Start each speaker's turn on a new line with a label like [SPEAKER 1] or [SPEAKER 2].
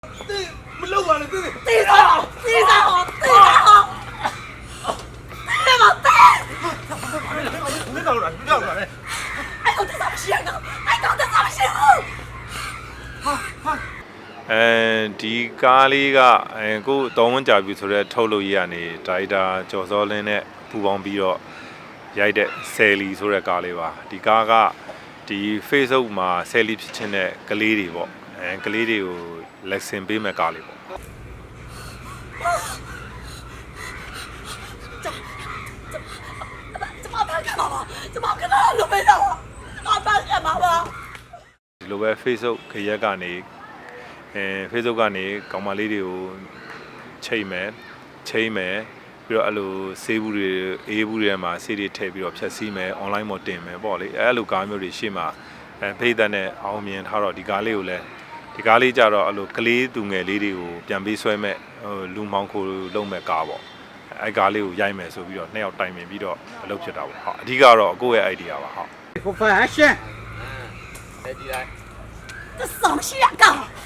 [SPEAKER 1] မလုပ်ပါနဲ့တေး
[SPEAKER 2] တေးစားတေးစားတေးစားတေးမတေး
[SPEAKER 1] မင်းတော့လာမင်းတော့လာလေ
[SPEAKER 2] အဲ့တော့တေးစားမရှိရတော့အဲ့တော့တေးစားမရှိဘူး
[SPEAKER 3] ဒီကားလေးကကိုတောင်းဝန်ကြပြီဆိုတော့ထုတ်လို့ရရနေဒါရိုက်တာကျော်စောလင်းနဲ့ပူပေါင်းပြီးတော့ရိုက်တဲ့ဆယ်လီဆိုတဲ့ကားလေးပါဒီကားကဒီ Facebook မှာဆယ်လီဖြစ်ချင်းတဲ့ကလေးတွေပေါ့ကလေးတွေကိုလက်ဆင်ပေးမဲ့ကားလေးပေါ့
[SPEAKER 2] 怎么办干嘛吧？怎么跟他都没到啊？怎么办干嘛吧？
[SPEAKER 3] ဒီလိုပဲ Facebook ခရက်ကနေ Facebook ကနေကောင်မလေးတွေကိုချိန်မယ်ပြီးတော့အဲ့လိုဆေးဘူးတွေအေးဘူးတွေမှာဆေးတွေထည့်ပြီးတော့ဖြတ်စည်းမယ် online မှာတင်မယ်ပေါ့လေအဲ့လိုကားမျိုးတွေရှေ့မှာဖိတ်တဲ့နဲ့အောင်မြင်ထားတော့ဒီကားလေးကိုလည်းဒီကားလေးကြတော့အဲ့လိုကလေးသူငယ်လေးတွေကိုပြန်ပေးဆွဲမဲ့လူမောင်ခိုလုံးမဲ့ကားပေါ့အဲ့ကားလေးကိုရိုက်မယ်ဆိုပြီးတော့နှစ်ယောက်တိုင်ပင်ပြီးတော့အလုပ်ဖြစ်တာပေါ့ဟုတ်အဓိကတော့ကိုယ့်ရဲ့ idea ပါဟုတ်
[SPEAKER 1] ကိုဖန်အရှင်
[SPEAKER 2] 这什么戏啊？干！